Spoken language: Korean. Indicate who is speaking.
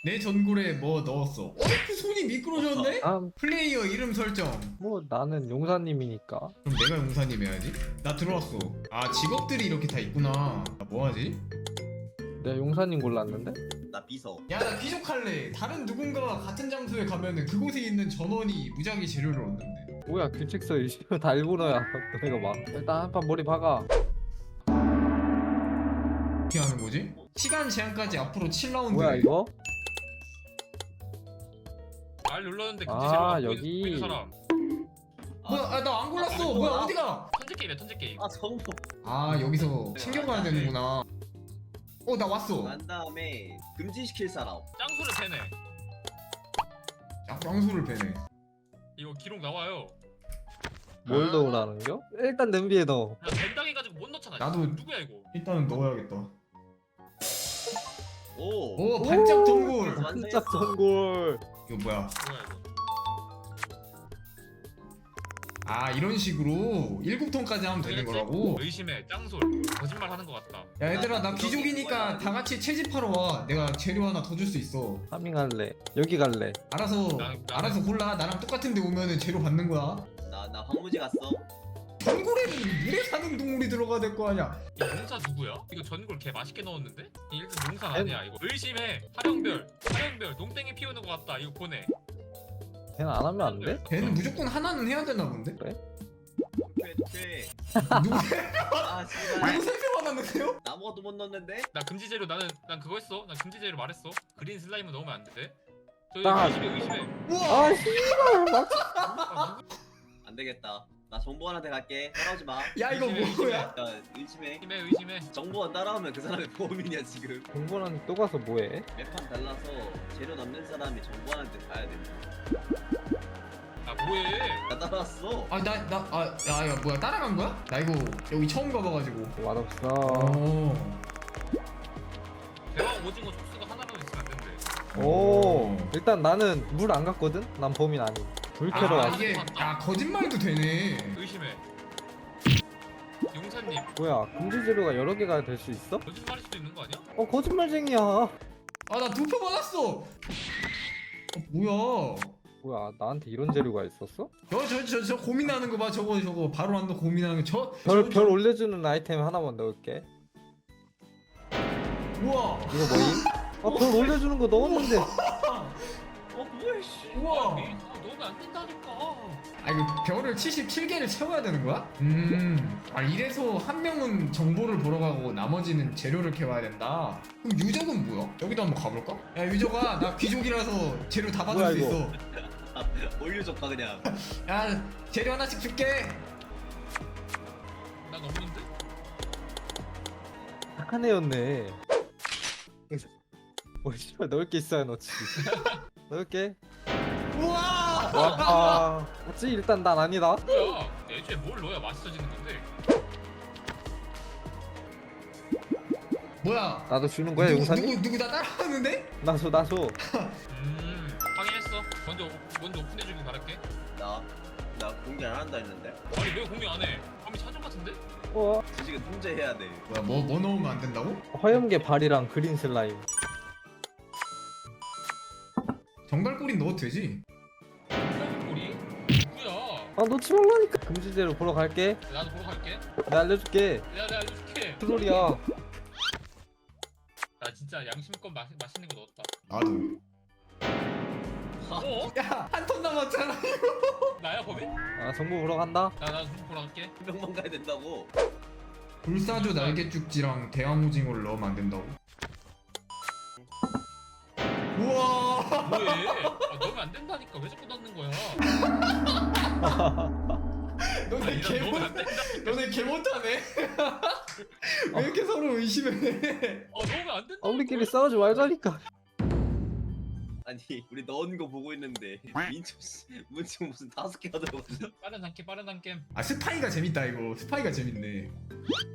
Speaker 1: 내 전골에 뭐 넣었어? 그 손이 미끄러졌네?
Speaker 2: 아,
Speaker 1: 플레이어 이름 설정.
Speaker 2: 뭐 나는 용사님이니까.
Speaker 1: 그럼 내가 용사님 해야지. 나 들어왔어. 아 직업들이 이렇게 다 있구나. 나 뭐하지?
Speaker 2: 내가 용사님 골랐는데?
Speaker 3: 나 비서.
Speaker 1: 야 나 귀족할래. 다른 누군가와 같은 장소에 가면은 그곳에 있는 전원이 무작위 재료를 얻는데.
Speaker 2: 뭐야 규칙서 이시면 다 일본어야. 너네가 막 일단 한 판 머리 박아.
Speaker 1: 어떻게 하는 거지? 시간 제한까지 앞으로 7라운드.
Speaker 2: 뭐야 이거?
Speaker 4: 알 눌렀는데
Speaker 2: 아,
Speaker 4: 금지제로
Speaker 2: 여기.
Speaker 4: 보이는 사람.
Speaker 1: 뭐야 아, 나 안 골랐어. 뭐야 어디가?
Speaker 4: 턴제 게임이야 턴제 게임.
Speaker 3: 아 정보.
Speaker 1: 아 여기서 챙겨가야 되는구나. 나 왔어.
Speaker 3: 난 다음에 금지시킬 사람.
Speaker 4: 짱소를 패네.
Speaker 1: 야 깡소를 패네.
Speaker 4: 이거 기록 나와요.
Speaker 2: 뭘 넣으라는겨? 일단 냄비에 넣어.
Speaker 4: 나 벤당해가지고 못 넣잖아.
Speaker 1: 나도-
Speaker 4: 누구야 이거?
Speaker 1: 일단은 넣어야겠다.
Speaker 3: 오.
Speaker 1: 오 반짝 전골.
Speaker 2: 반짝 전골.
Speaker 1: 이거 뭐야?
Speaker 4: 뭐야 이거?
Speaker 1: 아 이런 식으로 7톤까지 하면 되는 거라고?
Speaker 4: 의심해 짱솔 거짓말 하는 것 같다.
Speaker 1: 야 얘들아 나 귀족이니까 다 같이 채집하러 와. 내가 재료 하나 더 줄 수 있어.
Speaker 2: 파밍할래. 여기 갈래.
Speaker 1: 알아서 알아서 골라. 나랑 똑같은 데 오면은 재료 받는 거야.
Speaker 3: 나 황무지 갔어.
Speaker 1: 전골에는 물에 사는 동물이 들어가야 될 거 아니야.
Speaker 4: 이 용사 누구야? 이거 전골 개 맛있게 넣었는데? 이 일단 용사 아니야 이거. 의심해 화룡별 농땡이 피우는 것 같다. 이거 보내.
Speaker 2: 걔는 안 하면 안 돼?
Speaker 1: 걔는 무조건 하나는 해야 되나 본데?
Speaker 3: 퇴.
Speaker 1: 누구
Speaker 3: 아 씨발.
Speaker 1: 누구 생각 받았는데요?
Speaker 3: 아무것도 못 넣었는데.
Speaker 4: 나 금지재료 난 그거 했어. 난 금지재료 말했어. 그린 슬라임은 넣으면 안 돼. 저기
Speaker 2: 나-
Speaker 4: 의심해.
Speaker 1: 우와.
Speaker 2: 아 씨발 막.
Speaker 4: 아, 누구?
Speaker 3: 안 되겠다. 나 정보원한테 갈게. 따라오지 마.
Speaker 1: 야 이거 뭐야?
Speaker 3: 야 의심해.
Speaker 4: 의심해.
Speaker 3: 정보원 따라오면 그 사람이 범인이야 지금.
Speaker 2: 공부는 또 가서 뭐해?
Speaker 3: 매판 달라서 재료 넣는 사람이 정보원한테 가야 돼.
Speaker 4: 아 뭐해?
Speaker 3: 나 따라왔어.
Speaker 1: 야 뭐야 따라간 거야? 나 이거 여기 처음 가봐가지고.
Speaker 2: 맛없어.
Speaker 4: 대왕 오징어 촉수가 하나로 있으면 안 된대.
Speaker 2: 오. 일단 나는 물 안 갔거든. 난 범인 아님. 불 캐러
Speaker 1: 아
Speaker 2: 왔어.
Speaker 1: 이게 야 거짓말도 되네.
Speaker 4: 의심해. 용사님
Speaker 2: 뭐야 금지 재료가 여러 개가 될 수 있어?
Speaker 4: 거짓말일 수도 있는 거 아니야?
Speaker 2: 거짓말쟁이야.
Speaker 1: 아 나 2표 받았어. 뭐야?
Speaker 2: 뭐야 나한테 이런 재료가 있었어?
Speaker 1: 저 고민하는 거 봐. 저거 바로 한다 고민하는 거.
Speaker 2: 별 올려주는 아이템 하나만 넣을게.
Speaker 1: 우와.
Speaker 2: 이거 뭐임? 별 올려주는 거 넣었는데.
Speaker 3: 뭐야 씨.
Speaker 1: 우와.
Speaker 4: 넣으면 안 된다니까.
Speaker 1: 아 이거 별을 77개를 채워야 되는 거야? 아 이래서 한 명은 정보를 보러 가고 나머지는 재료를 캐와야 된다. 그럼 유적은 뭐야? 여기도 한번 가볼까? 야 유적아 나 귀족이라서 재료 다 받을
Speaker 2: 뭐야,
Speaker 1: 수
Speaker 2: 이거?
Speaker 1: 있어.
Speaker 3: 올려줘봐 그냥.
Speaker 1: 야 재료 하나씩 줄게.
Speaker 4: 난 없는데?
Speaker 2: 착한 애였네. 씨발 넣을 게 있어야 넣지. 넣을게.
Speaker 1: 우와.
Speaker 2: 와. 맞지? 일단 난 아니다.
Speaker 4: 뭐야? 애초에 뭘 넣어야 맛있어지는 건데?
Speaker 1: 뭐야?
Speaker 2: 나도 주는 거야 용사님?
Speaker 1: 누구 나 따라하는데?
Speaker 2: 나줘.
Speaker 4: 확인했어. 먼저 오픈해주길 바랄게.
Speaker 3: 나 공개 안 한다 했는데.
Speaker 4: 아니 왜 공개 안 해? 범이 사전 같은데?
Speaker 3: 지금 통제해야 돼.
Speaker 1: 뭐야 뭐 넣으면 안 된다고?
Speaker 2: 화염계 발이랑 그린 슬라임.
Speaker 1: 정갈꼬리 넣어도 되지?
Speaker 4: 꼬리? 누구야?
Speaker 2: 넣지 말라니까. 금지 재료 보러 갈게.
Speaker 4: 나도 보러 갈게.
Speaker 2: 내가 알려줄게.
Speaker 4: 내가 알려줄게.
Speaker 2: 트롤이야.
Speaker 4: 나 진짜 양심껏 맛있는 거 넣었다.
Speaker 1: 나도.
Speaker 4: 어?
Speaker 1: 야 한 톤 남았잖아.
Speaker 4: 나야 범이?
Speaker 2: 정보 보러 간다.
Speaker 4: 나 보러 갈게.
Speaker 3: 한 명만 가야 된다고.
Speaker 1: 불사조 날개죽지랑 대왕오징어를 넣으면 안 된다고? 우와.
Speaker 4: 뭐해? 넣으면 안 된다니까 왜 자꾸 넣는 거야?
Speaker 1: 너네
Speaker 4: 아니, 난 넣으면 안 된다.
Speaker 1: 너네 개 못하네. 왜 이렇게 서로 의심해?
Speaker 4: 넣으면 안 된다.
Speaker 2: 우리끼리 싸우지 말자니까.
Speaker 3: 아니 우리 넣은 거 보고 있는데 민초 씨 문청 무슨 5개가 들어갔어.
Speaker 4: 빠른 한 게임.
Speaker 1: 아 스파이가 재밌다 이거. 스파이가 재밌네.